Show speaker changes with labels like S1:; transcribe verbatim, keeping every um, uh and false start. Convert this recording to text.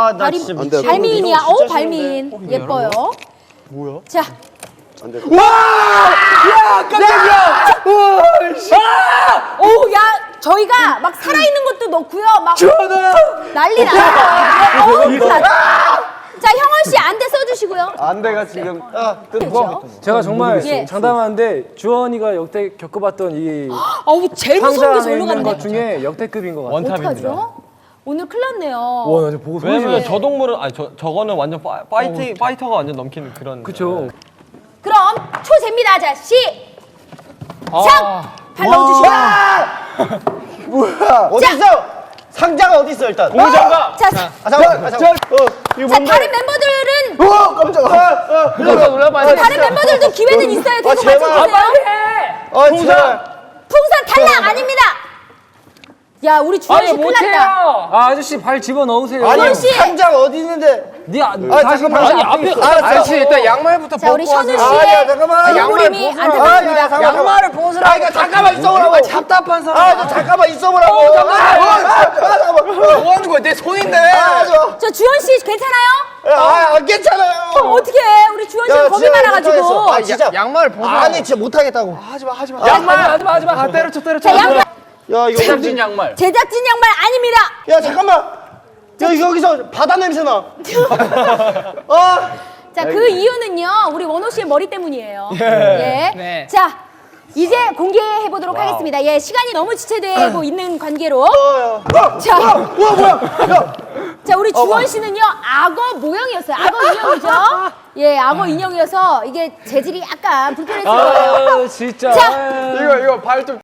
S1: 아, 나
S2: 발이,
S1: 진짜 미치겠네.
S2: 발미인이야.
S1: 이거
S2: 어우,
S1: 진짜
S2: 발미인.
S1: 싫은데?
S2: 예뻐요.
S1: 뭐야?
S2: 자.
S1: 안 돼.
S3: 와! 야, 깜짝이야! 우와, 씨.
S2: 아! 오, 야, 저희가 막 살아있는 것도 넣고요. 막
S3: 전화!
S2: 난리 났어요. 어우, 큰일 났다. 자, 형원 씨 안대 써주시고요.
S1: 안돼가 지금. 아,
S2: 그렇죠?
S4: 제가 정말
S2: 예.
S4: 장담하는데 주원이가 역대 겪어봤던 이
S2: 어우, 제일 무서운
S4: 상자
S2: 게
S4: 안에
S2: 절로
S4: 있는 것
S2: 갔네.
S4: 중에 역대급인 것 같아요.
S2: 어떡하죠? 오늘 큰일 났네요.
S4: 와, 나 지금 보고 소리
S5: 왜냐면
S4: 지르
S5: 저 동물은 아니 저 저거는 완전 파, 파이트 파이터가 완전 넘키는 그런.
S4: 그쵸.
S2: 그럼 초재입니다. 자, 시작! 발 넣어주시고요.
S1: 뭐야? 어디 있어? 상자가 어디 있어 일단?
S5: 공장가.
S2: 자, 자,
S1: 아 잠깐, 아, 잠깐. 어, 이거
S2: 자,
S1: 뭔데?
S2: 다른 멤버들은
S1: 어, 깜짝아. 아, 아,
S3: 눌러봐, 눌러봐.
S2: 다른 멤버들도 기회는 있어요. 계속
S1: 제발.
S2: 맞춰주세요.
S1: 아, 제발.
S2: 풍선 탈락 아닙니다. 야, 우리 주원 씨 큰일 났다.
S4: 아, 아저씨 발 집어 넣으세요.
S1: 아니,
S2: 주원 씨.
S1: 상자가 어디 있는데?
S4: 네, 아,
S1: 아,
S4: 다시
S1: 잠깐만.
S4: 다시
S1: 아니,
S4: 앞에
S1: 앞에. 아,
S3: 아저씨, 일단 양말부터
S2: 자, 우리
S3: 벗고
S2: 션우
S3: 하세요.
S1: 아, 야,
S2: 씨의
S1: 잠깐만.
S2: 얼굴임이
S1: 양말 벗으라.
S2: 안타깝습니다.
S1: 아, 야, 잠깐만.
S3: 양말을 벗으라.
S1: 아, 이거 잠깐만 있어보라고.
S3: 답답한 사람.
S1: 아, 저 잠깐만 있어보라고. 아, 아, 아, 잠깐만.
S3: 뭐 하는 거야? 내 손인데.
S1: 아, 저.
S2: 저 주원 씨 괜찮아요?
S1: 아, 아, 괜찮아요.
S2: 어떻게 우리 주원 씨가
S1: 야,
S2: 겁이
S1: 진짜
S2: 많아가지고.
S1: 못하겠어. 아, 진짜.
S3: 양말을 벗어.
S1: 아니, 진짜 못하겠다고.
S3: 하지마, 하지마.
S4: 양말 하지 마, 하지 마. 아, 때려쳐, 때려쳐.
S2: 자, 양말
S1: 야, 이거.
S3: 제작진 양말.
S2: 제작진 양말 아닙니다.
S1: 야, 잠깐만. 야, 여기서 바다 냄새 나. 아.
S2: 자, 그 이유는요, 우리 원호 씨의 머리 때문이에요. 예.
S3: 네.
S2: 자, 이제 공개해 보도록 하겠습니다. 예, 시간이 너무 지체되고 있는 관계로.
S1: 어, 야.
S2: 자,
S1: 와, 뭐야? 야.
S2: 자, 우리 주원 씨는요, 악어 모형이었어요. 악어 인형이죠? 예, 악어 인형이어서 이게 재질이 약간 불편했을 거예요.
S4: 아, 진짜.
S2: 자,
S3: 이거, 이거 발 좀.